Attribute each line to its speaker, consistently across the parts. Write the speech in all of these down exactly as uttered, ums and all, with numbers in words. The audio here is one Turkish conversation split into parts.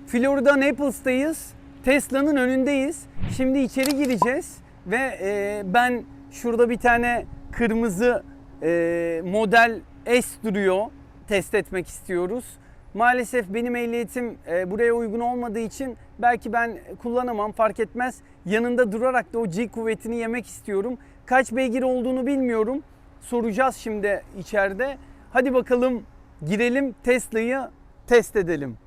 Speaker 1: Florida Naples'tayız. Tesla'nın önündeyiz. Şimdi içeri gireceğiz ve e, ben şurada bir tane kırmızı e, model S duruyor. Test etmek istiyoruz. Maalesef benim ehliyetim e, buraya uygun olmadığı için belki ben kullanamam, fark etmez. Yanında durarak da o G kuvvetini yemek istiyorum. Kaç beygir olduğunu bilmiyorum. Soracağız şimdi içeride. Hadi bakalım girelim, Tesla'yı test edelim.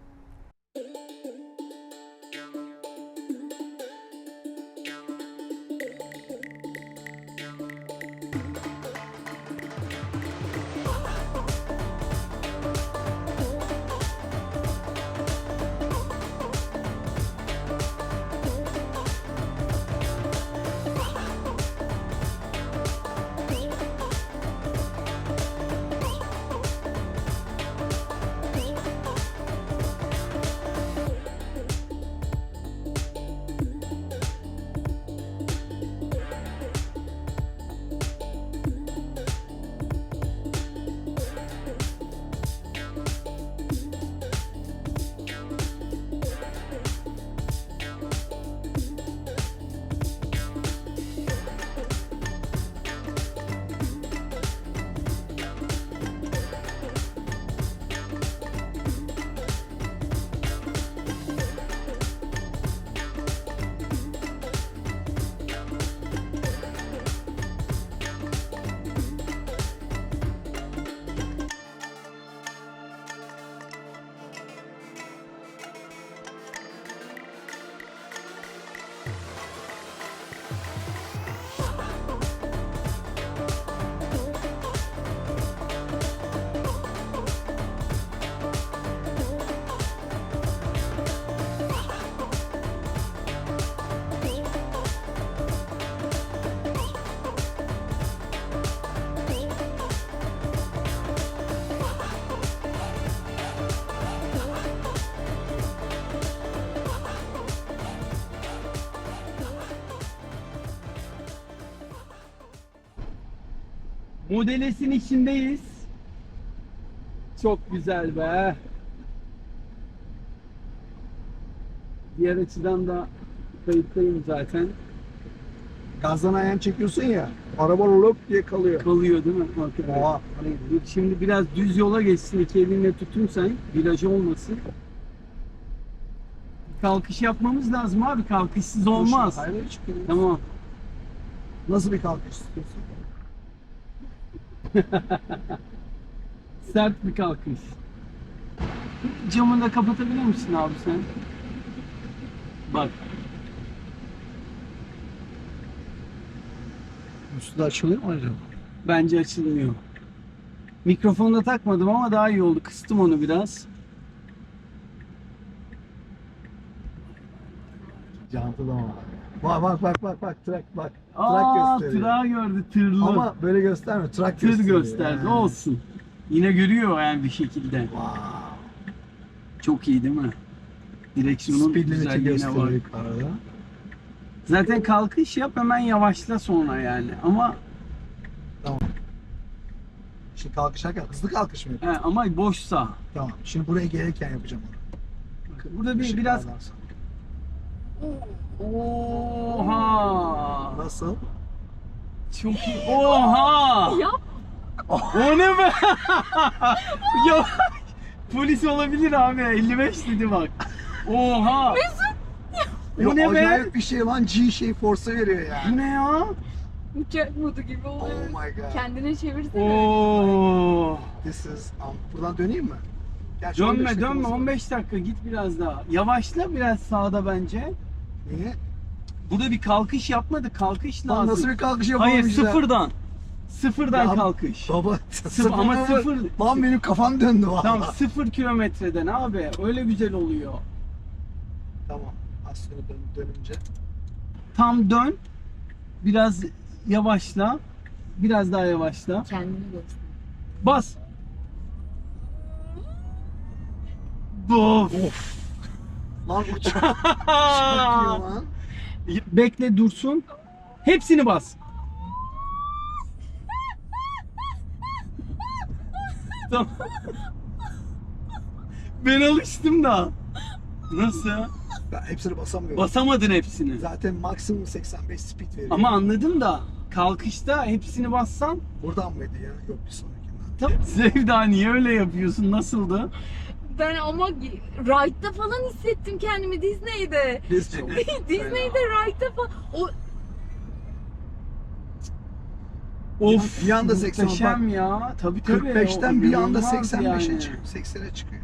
Speaker 1: Model S'in içindeyiz. Çok güzel be. Diğer açıdan da kayıttayım zaten.
Speaker 2: Gazdan ayağını çekiyorsun ya, araba lop diye kalıyor.
Speaker 1: Kalıyor değil mi? Hakikaten.
Speaker 2: Oha.
Speaker 1: Hani dur şimdi biraz düz yola geçsin, iki elinle tutun sen, viraj olmasın. Kalkış yapmamız lazım abi, kalkışsız olmaz.
Speaker 2: Hayır, çıkıyor.
Speaker 1: Tamam.
Speaker 2: Nasıl bir kalkış istiyorsun?
Speaker 1: Sert bir kalkış. Camını da kapatabilir misin abi sen? Bak.
Speaker 2: Üstü de açılıyor mu acaba?
Speaker 1: Bence açılmıyor. Mikrofonu da takmadım ama daha iyi oldu. Kıstım onu biraz.
Speaker 2: Cantı da var. Bak bak bak bak bak trak bak.
Speaker 1: Aa,
Speaker 2: Trak gösteriyor.
Speaker 1: tırağı gördü, tırlı.
Speaker 2: Ama böyle göstermiyor. Trak
Speaker 1: Tır
Speaker 2: gösteriyor.
Speaker 1: gösterdi,
Speaker 2: Yani.
Speaker 1: olsun. Yine görüyor yani bir şekilde.
Speaker 2: Wow.
Speaker 1: Çok iyi değil mi? Direksiyonun
Speaker 2: Speed limit'i
Speaker 1: güzelliğine
Speaker 2: gösteriyor
Speaker 1: bak.
Speaker 2: yukarıda.
Speaker 1: Zaten kalkış yap, hemen yavaşla sonra yani. Ama
Speaker 2: Tamam. Şimdi kalkışarken hızlı kalkış mı
Speaker 1: he,
Speaker 2: yapıyorsun?
Speaker 1: ama boşsa.
Speaker 2: Tamam. Şimdi buraya gelirken yapacağım onu.
Speaker 1: Bakın burada bir
Speaker 2: Işık
Speaker 1: biraz
Speaker 2: bağlansın.
Speaker 1: oha!
Speaker 2: Nasıl?
Speaker 1: Çok iyi. Oha!
Speaker 3: Ya.
Speaker 1: O ne be? Ya polis olabilir abi. elli beş dedi bak. Oha! O
Speaker 2: Ya
Speaker 1: ne be?
Speaker 2: acayip bir şey lan. G şey force'u veriyor yani.
Speaker 1: Bu ne ya?
Speaker 3: Uçak modu gibi
Speaker 2: Oh
Speaker 3: oluyor.
Speaker 2: my god.
Speaker 3: Kendine çevirsene.
Speaker 1: Oo!
Speaker 2: This is... Um, buradan döneyim mi? Gerçi on beş
Speaker 1: Dönme
Speaker 2: dakikamız
Speaker 1: dönme
Speaker 2: var.
Speaker 1: on beş dakika git biraz daha. Yavaşla biraz sağda bence.
Speaker 2: Niye?
Speaker 1: Burada bir kalkış yapmadı. Kalkış
Speaker 2: Lan
Speaker 1: lazım.
Speaker 2: nasıl bir kalkış
Speaker 1: Hayır
Speaker 2: yapamamışlar?
Speaker 1: sıfırdan. Sıfırdan
Speaker 2: Ya,
Speaker 1: kalkış.
Speaker 2: Baba
Speaker 1: Sıfır, ama
Speaker 2: mı?
Speaker 1: sıfır.
Speaker 2: Lan benim kafam döndü valla.
Speaker 1: Tam sıfır kilometreden abi. Öyle güzel oluyor.
Speaker 2: Tamam. Az sonra dön, dönünce.
Speaker 1: Tam dön. Biraz yavaşla. Biraz daha yavaşla.
Speaker 3: Kendini göster.
Speaker 1: Bas. Of.
Speaker 2: Of. Lan uçak. Uçak yiyor lan.
Speaker 1: Bekle dursun. Hepsini bas. Tamam. Ben alıştım da. Nasıl?
Speaker 2: Ben hepsini basamıyorum.
Speaker 1: Basamadın hepsini.
Speaker 2: Zaten maksimum seksen beş speed veriyor.
Speaker 1: Ama anladım da kalkışta hepsini bassan.
Speaker 2: Buradan mıydı ya? Yok bir sonrakinden.
Speaker 1: Tabii. Sevda niye öyle yapıyorsun? Nasıldı?
Speaker 3: Ben ama ride'da falan hissettim kendimi Disney'de.
Speaker 2: Disney.
Speaker 3: Disney'de ride'da falan. O
Speaker 1: Of,
Speaker 2: Bir anda seksen,
Speaker 1: muhteşem ya. Tabii tabii.
Speaker 2: kırk beşten
Speaker 1: O
Speaker 2: bir anda
Speaker 1: inanılmaz
Speaker 2: seksen beşe
Speaker 1: yani.
Speaker 2: çıkıyor. seksene çıkıyor.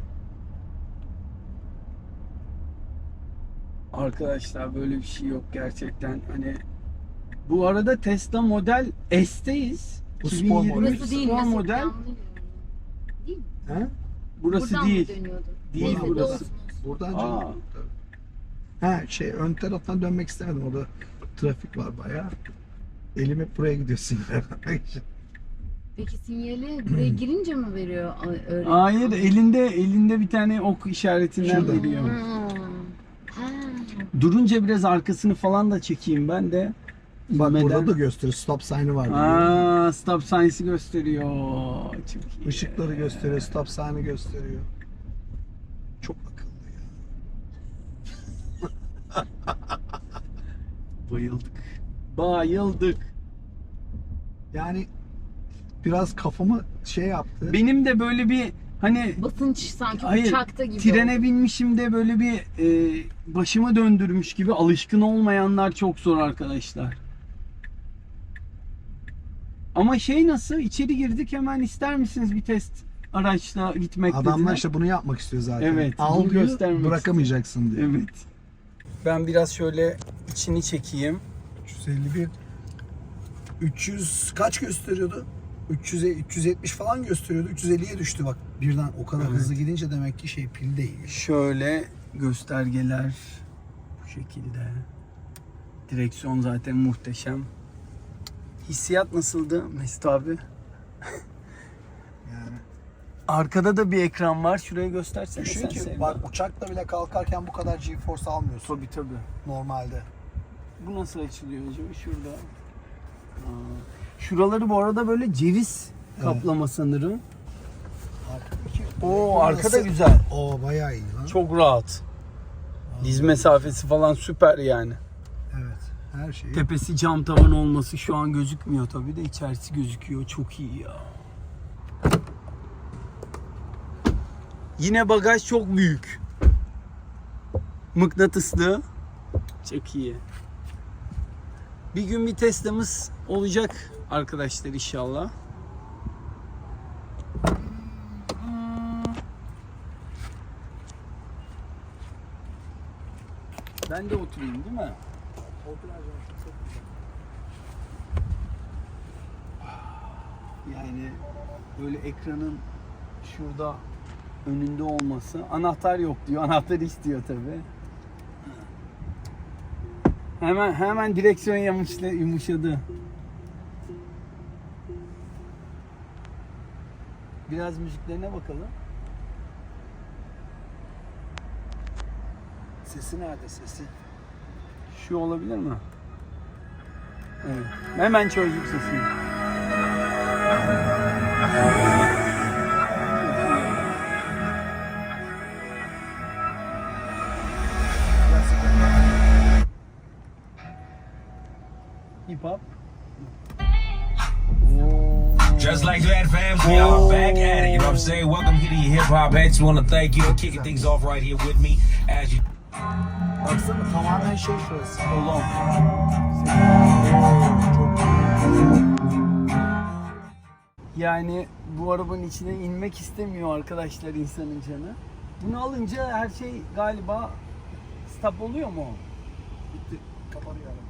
Speaker 1: Arkadaşlar böyle bir şey yok gerçekten. Hani bu arada Tesla Model S'teyiz.
Speaker 2: Bu spor
Speaker 1: iki bin yirmi
Speaker 2: model.
Speaker 3: burası değil
Speaker 1: spor
Speaker 3: mesela.
Speaker 1: model.
Speaker 3: Değil mi?
Speaker 2: He?
Speaker 1: Burası
Speaker 3: Buradan
Speaker 1: değil.
Speaker 3: mı dönüyordu?
Speaker 1: Değil
Speaker 3: Neyse,
Speaker 1: burası.
Speaker 3: olsun.
Speaker 2: Buradan
Speaker 1: Aa.
Speaker 2: canım. Tabii. Ha şey ön taraftan dönmek istemedim. Orada trafik var bayağı. Elim hep buraya gidiyorsun.
Speaker 3: Peki sinyali buraya girince mi veriyor? a- Öyle.
Speaker 1: Hayır, elinde elinde bir tane ok işaretinden
Speaker 2: Şurada.
Speaker 1: veriyor.
Speaker 3: Hmm. Ha.
Speaker 1: Durunca biraz arkasını falan da çekeyim ben de.
Speaker 2: Bak
Speaker 1: Neden?
Speaker 2: burada da gösteriyor. Stop sign'ı var.
Speaker 1: Aa, stop sign'sı gösteriyor. Çok iyi.
Speaker 2: Işıkları gösteriyor. Stop sign'ı gösteriyor. Çok akıllı ya.
Speaker 1: Bayıldık. Bayıldık.
Speaker 2: Yani biraz kafamı şey yaptı.
Speaker 1: Benim de böyle bir hani
Speaker 3: Basınç sanki
Speaker 1: hayır,
Speaker 3: uçakta gibi.
Speaker 1: trene
Speaker 3: oldu.
Speaker 1: binmişim de böyle bir e, başımı döndürmüş gibi, alışkın olmayanlar çok zor arkadaşlar. Ama şey nasıl? İçeri girdik, hemen ister misiniz bir test araçla gitmek
Speaker 2: Adamlar
Speaker 1: dediler.
Speaker 2: işte bunu yapmak istiyor zaten.
Speaker 1: Evet, bunu
Speaker 2: Al diyor,
Speaker 1: göstermek
Speaker 2: bırakamayacaksın diyor.
Speaker 1: Evet. Ben biraz şöyle içini çekeyim.
Speaker 2: üç yüz elli bir üç yüz kaç gösteriyordu? üç yüz üç yüz yetmiş falan gösteriyordu. üç yüz elliye düştü bak. Birden o kadar
Speaker 1: Evet.
Speaker 2: hızlı gidince demek ki şey pil değil.
Speaker 1: Şöyle göstergeler bu şekilde. Direksiyon zaten muhteşem. Hissiyat nasıldı Mesut abi?
Speaker 2: Yani
Speaker 1: Arkada da bir ekran var. Şurayı göstersene
Speaker 2: düşün
Speaker 1: sen
Speaker 2: ki
Speaker 1: Sevda.
Speaker 2: bak uçakla bile kalkarken bu kadar G-force almıyorsun
Speaker 1: Tabii tabii.
Speaker 2: normalde.
Speaker 1: Bu nasıl açılıyor acaba? Şurada. Aa, şuraları bu arada böyle ceviz kaplama sanırım.
Speaker 2: Arkadaki
Speaker 1: Oo, arka da
Speaker 2: nasıl-
Speaker 1: güzel.
Speaker 2: Oo bayağı iyi lan.
Speaker 1: Çok rahat. Diz mesafesi falan süper yani.
Speaker 2: Evet. Her şeyi.
Speaker 1: Tepesi cam tavan olması şu an gözükmüyor tabii de içerisi gözüküyor. Çok iyi ya. Yine bagaj çok büyük. Mıknatıslı. Çok iyi. Bir gün bir Tesla'mız olacak arkadaşlar inşallah. Ben de oturayım değil mi? Yani böyle ekranın şurada önünde olması. Anahtar yok diyor. Anahtar istiyor tabii. Hemen hemen direksiyon yumuşla, yumuşadı. Biraz müziklerine bakalım.
Speaker 2: Sesi nerede sesi?
Speaker 1: Şu olabilir mi? Evet. Hemen çözdük sesini. Hip hop.
Speaker 4: Just like that, fam, we are back at it. You know what I'm saying? Welcome here to your hip hop heads. Want to thank you for kicking things off right here with me as you.
Speaker 2: Baksana tamamen şey şurası.
Speaker 1: Kolon. Yani bu arabanın içine inmek istemiyor arkadaşlar insanın canı. Bunu alınca her şey galiba stop oluyor mu?
Speaker 2: Bitti. Kapanıyor araba.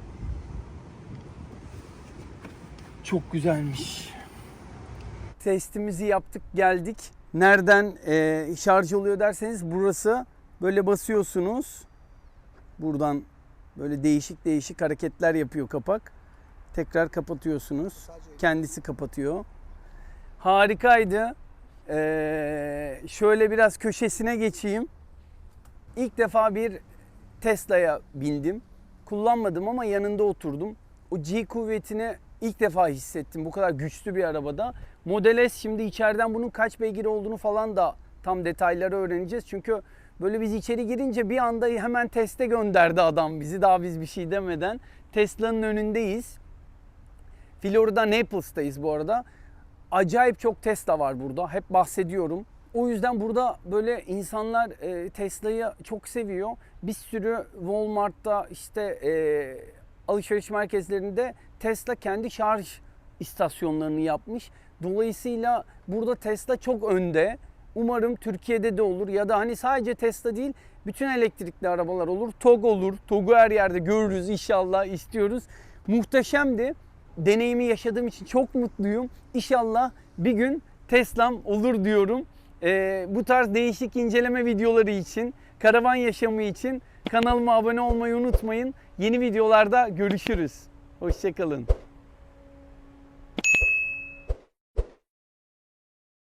Speaker 1: Çok güzelmiş. Testimizi yaptık, geldik. Nereden e, şarj oluyor derseniz burası, böyle basıyorsunuz. Buradan böyle değişik değişik hareketler yapıyor kapak. Tekrar kapatıyorsunuz. Kendisi kapatıyor. Harikaydı. Ee, şöyle biraz köşesine geçeyim. İlk defa bir Tesla'ya bindim. Kullanmadım ama yanında oturdum. O G kuvvetini ilk defa hissettim bu kadar güçlü bir arabada. Model S, şimdi içeriden bunun kaç beygir olduğunu falan da tam detayları öğreneceğiz. Çünkü Böyle biz içeri girince bir anda hemen teste gönderdi adam bizi, daha biz bir şey demeden. Tesla'nın önündeyiz. Florida Naples'tayız bu arada. Acayip çok Tesla var burada. Hep bahsediyorum. O yüzden burada böyle insanlar e, Tesla'yı çok seviyor. Bir sürü Walmart'ta işte e, alışveriş merkezlerinde Tesla kendi şarj istasyonlarını yapmış. Dolayısıyla burada Tesla çok önde. Umarım Türkiye'de de olur ya da hani sadece Tesla değil, bütün elektrikli arabalar olur. T O G olur. T O G'u her yerde görürüz inşallah, istiyoruz. Muhteşemdi. Deneyimi yaşadığım için çok mutluyum. İnşallah bir gün Tesla'm olur diyorum. Ee, bu tarz değişik inceleme videoları için, karavan yaşamı için kanalıma abone olmayı unutmayın. Yeni videolarda görüşürüz. Hoşça kalın.